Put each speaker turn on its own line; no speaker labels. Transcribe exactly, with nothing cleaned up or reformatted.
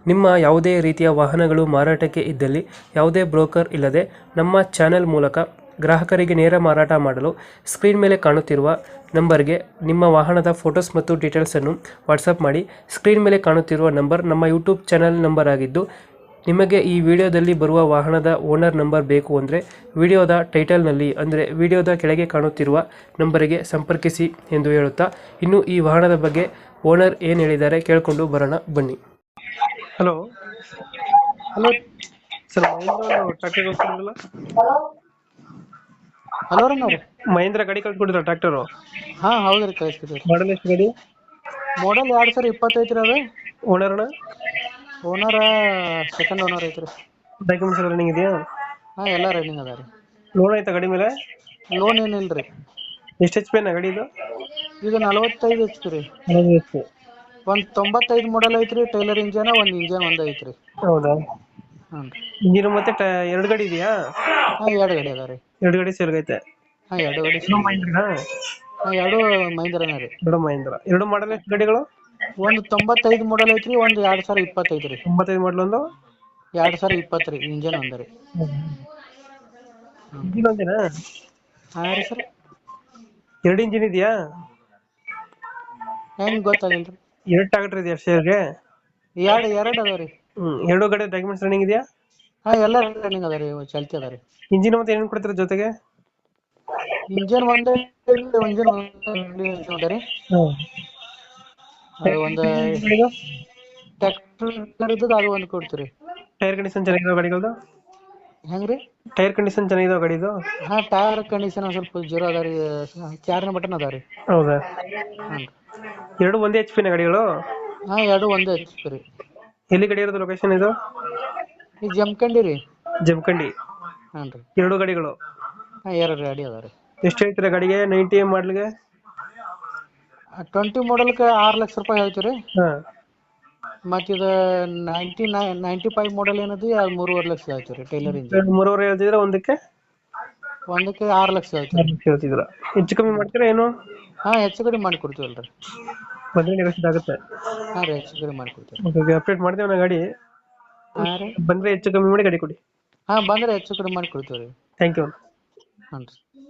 ನಿಮ್ಮ ಯಾವುದೇ ರೀತಿಯ ವಾಹನಗಳು ಮಾರಾಟಕ್ಕೆ ಇದ್ದಲ್ಲಿ ಯಾವುದೇ ಬ್ರೋಕರ್ ಇಲ್ಲದೆ ನಮ್ಮ ಚಾನೆಲ್ ಮೂಲಕ ಗ್ರಾಹಕರಿಗೆ ನೇರ ಮಾರಾಟ ಮಾಡಲು ಸ್ಕ್ರೀನ್ ಮೇಲೆ ಕಾಣುತ್ತಿರುವ ನಂಬರ್ಗೆ ನಿಮ್ಮ ವಾಹನದ ಫೋಟೋಸ್ ಮತ್ತು ಡೀಟೇಲ್ಸನ್ನು ವಾಟ್ಸಪ್ ಮಾಡಿ. ಸ್ಕ್ರೀನ್ ಮೇಲೆ ಕಾಣುತ್ತಿರುವ ನಂಬರ್ ನಮ್ಮ ಯೂಟ್ಯೂಬ್ ಚಾನೆಲ್ ನಂಬರ್ ಆಗಿದ್ದು, ನಿಮಗೆ ಈ ವಿಡಿಯೋದಲ್ಲಿ ಬರುವ ವಾಹನದ ಓನರ್ ನಂಬರ್ ಬೇಕು ಅಂದರೆ ವಿಡಿಯೋದ ಟೈಟಲ್ನಲ್ಲಿ ಅಂದರೆ ವಿಡಿಯೋದ ಕೆಳಗೆ ಕಾಣುತ್ತಿರುವ ನಂಬರಿಗೆ ಸಂಪರ್ಕಿಸಿ ಎಂದು ಹೇಳುತ್ತಾ, ಇನ್ನು ಈ ವಾಹನದ ಬಗ್ಗೆ ಓನರ್ ಏನು ಹೇಳಿದ್ದಾರೆ ಕೇಳಿಕೊಂಡು ಬರೋಣ ಬನ್ನಿ. ಹಲೋ
ಹಲೋ
ಸರ್, ಮಹೇಂದ್ರ ಒಂದು ಟ್ರ್ಯಾಕ್ಟರ್ ಕಳ್ಸ್ಕೊಡಿದ್ರಲ್ಲ?
ಹಲೋ ರೀ ನಾವು
ಮಹೇಂದ್ರ ಗಾಡಿ ಕಳ್ಸ್ಕೊಡಿದ್ರ ಟ್ರ್ಯಾಕ್ಟರು?
ಹಾಂ ಹೌದು ರೀ ಕಳಿಸ್ತಿದ್ದೀವಿ.
ಮಾಡಲ್ ಎಷ್ಟು ಗಾಡಿ?
ಮಾಡಲ್ ಎರಡು ಸಾವಿರ ಇಪ್ಪತ್ತೈದು ರೀ ಅದು.
ಓನರ್ನ
ಓನರ ಸೆಕೆಂಡ್ ಓನರ್ ಐತ್ರಿ.
ಡಾಕ್ಯುಮೆಂಟ್ಸ್ ಎಲ್ಲ ರನ್ನಿಂಗ್ ಇದೆಯಾ?
ಹಾಂ ಎಲ್ಲ ರನ್ನಿಂಗ್ ಅದ ರೀ.
ಲೋನ್ ಆಯ್ತಾ ಗಾಡಿ ಮೇಲೆ?
ಲೋನ್ ಏನಿಲ್ಲ ರೀ.
ಎಷ್ಟು ಎಚ್ ಪಿ ಅನ್ನ ಗಾಡಿ ಇದು?
ಇದು ನಲವತ್ತೈದು ಎಚ್ ಪಿ ರೀ. ಒಂದು ತೊಂಬತ್ತೈದು ಮಾಡಲ್ ಐತ್ರಿ. ಟೈಲರ್ ಇಂಜನ್ ಒಂದು ಇಂಜನ್ ಒಂದು ಐತ್ರಿ.
ಹೌದಾ?
ಹ್ಞೂ ರೀ.
ಇಂಜಿನ್ ಮತ್ತೆ ಟ- ಎರಡು ಗಾಡಿ ಇದೆಯಾ?
ಹಾಂ ಎರಡು ಗಾಡಿ ಅದ ರೀ.
ಎರಡು ಗಾಡಿ ಸೇಲ್ಗೈತೆ?
ಹಾಂ ಎರಡು ಗಾಡಿ.
ಎರಡು ಮಹೇಂದ್ರನಾ?
ಹಾಂ ಎರಡು ಮಹೀಂದ್ರನ ರೀ.
ಎರಡು ಮಹೇಂದ್ರ. ಎರಡು ಮಾಡಲ್ ಎಷ್ಟು ಗಾಡಿಗಳು?
ಒಂದು ತೊಂಬತ್ತೈದು ಮಾಡಲ್ ಐತ್ರಿ. ಒಂದು ಎರಡು ಸಾವಿರ ಇಪ್ಪತ್ತೈದು ರೀ.
ತೊಂಬತ್ತೈದು ಮಾಡಲ್ ಒಂದು
ಎರಡು ಸಾವಿರ ಇಪ್ಪತ್ತು ರೀ. ಇಂಜನ್ ಒಂದು ರೀ.
ಇಂಜಿನ್ ಒಂದೇನಾ?
ಹಾಂ ರೀ ಸರ್.
ಎರಡು ಇಂಜಿನ್ ಇದೆಯಾ?
ಹೆಂಗೆ ಗೊತ್ತಾಗಿಲ್ಲ ರೀ.
ಎರಡು ಟ್ರಾಕ್ಟರ್ ಇದೆಯಾ ಶೇರ್ಗೆ?
ಎರಡು ಎರಡು ಅದಾವ ರೀ.
ಹ್ಮ್ ಎರಡು ಗಾಡಿ ಡಾಕ್ಯುಮೆಂಟ್ಸ್ ರನ್ನಿಂಗ್ ಇದೆಯಾ?
ಹಾಂ ಎಲ್ಲ ರನ್ನಿಂಗ್ ಅದ ರೀ. ಚಾಲ್ತಿ ಅದ ರೀ.
ಇಂಜಿನ್ ಮತ್ತೆ ಏನೇನು ಕೊಡ್ತೀರಾ ಜೊತೆಗೆ?
ಇಂಜನ್ ಒಂದೇ ಇಂಜನ್ ಅದ ರೀ. ಅದು ಒಂದು ಟ್ರ್ಯಾಕ್ಟರ್ ಇದ್ದದ್ದು ಅದು ಒಂದು ಕೊಡ್ತೀರಿ.
ಟೈರ್ ಕಂಡೀಷನ್ ಚೆನ್ನಾಗಿದಾವ ಗಾಡಿಗಳದು?
ಹೆಂಗೆ ರೀ?
ಟೈರ್ ಕಂಡೀಷನ್ ಚೆನ್ನಾಗಿದಾವ ಗಾಡಿದು?
ಹಾಂ ಟೈರ್ ಕಂಡೀಷನ್ ಸ್ವಲ್ಪ ಜೀರೋ ಅದ ರೀ. ಚಾರ್ನ ಬಟನ್ ಅದ ರೀ.
ಹೌದಾ?
ಹಾಂ
ಎರಡು ಒಂದೇ ಎಚ್ ಪಿನ ಗಾಡಿಗಳು?
ಹಾಂ ಎರಡು ಒಂದೇ ಹಚ್ಚಿ ರೀ.
ಎಲ್ಲಿ ಗಾಡಿ ಇರೋದು ಲೊಕೇಶನ್ ಇದು?
ಈ ಜಮಖಂಡಿ ರೀ.
ಜಮಖಂಡಿ.
ಹಾಂ ರೀ.
ಎರಡು ಗಾಡಿಗಳು?
ಹಾಂ ಎರಡು ಗಾಡಿ ಅದ ರೀ.
ಎಷ್ಟು ಹೇಳ್ತೀರಾ ಗಾಡಿಗೆ? ನೈಂಟಿ ಎಮ್ ಮಾಡ್ಲಿಗೆ?
ಟ್ವೆಂಟಿ ಮಾಡಲ್ಗೆ ಆರು ಲಕ್ಷ ರೂಪಾಯಿ ಹೇಳ್ತೀವಿ ರೀ.
ಹಾಂ.
ಮತ್ತು ಇದು ನೈಂಟಿ ನೈ ನೈಂಟಿ ಫೈವ್ ಮಾಡಲ್ ಏನದು ಅದು ಮೂರುವರೆ ಲಕ್ಷ ಹೇಳ್ತೀವಿ ರೀ. ಟೈಲರ್ ಇಂಜನ್
ಎರಡು ಮೂರುವರೆ ಹೇಳ್ತಿದ್ರೆ ಒಂದಕ್ಕೆ
ಒಂದಕ್ಕೆ ಆರು ಲಕ್ಷ ಹೇಳ್ತೀವಿ ರೀ.
ಹೇಳ್ತಿದ್ರ? ಹೆಚ್ಚು ಕಮ್ಮಿ ಮಾಡ್ತೀರಾ ಏನು?
ಹಾಂ ಹೆಚ್ಚು ಕಡಿಮೆ ಮಾಡಿ ಕೊಡ್ತೀವಲ್ಲ ರೀ.
ಬಂದ್ರೆ ನೆಗೋಷಿಯೇಟ್ ಆಗುತ್ತೆ?
ಹಾಂ ರೀ ಹೆಚ್ಚು ಕಡಿಮೆ ಮಾಡಿ ಕೊಡ್ತೀವಿ.
ಓಕೆ, ಅಪ್ಡೇಟ್ ಮಾಡ್ತೇವೆ ನಾ ಗಾಡಿ.
ಹಾಂ ರೀ.
ಬಂದ್ರೆ ಹೆಚ್ಚು ಕಮ್ಮಿ ಮಾಡಿ ಗಾಡಿ ಕೊಡಿ.
ಹಾಂ ಬಂದರೆ ಹೆಚ್ಚು ಕಡಿಮೆ ಮಾಡಿ ಕೊಡ್ತೀವಿ ರೀ.
Thank you.
ಹಾಂ ರೀ.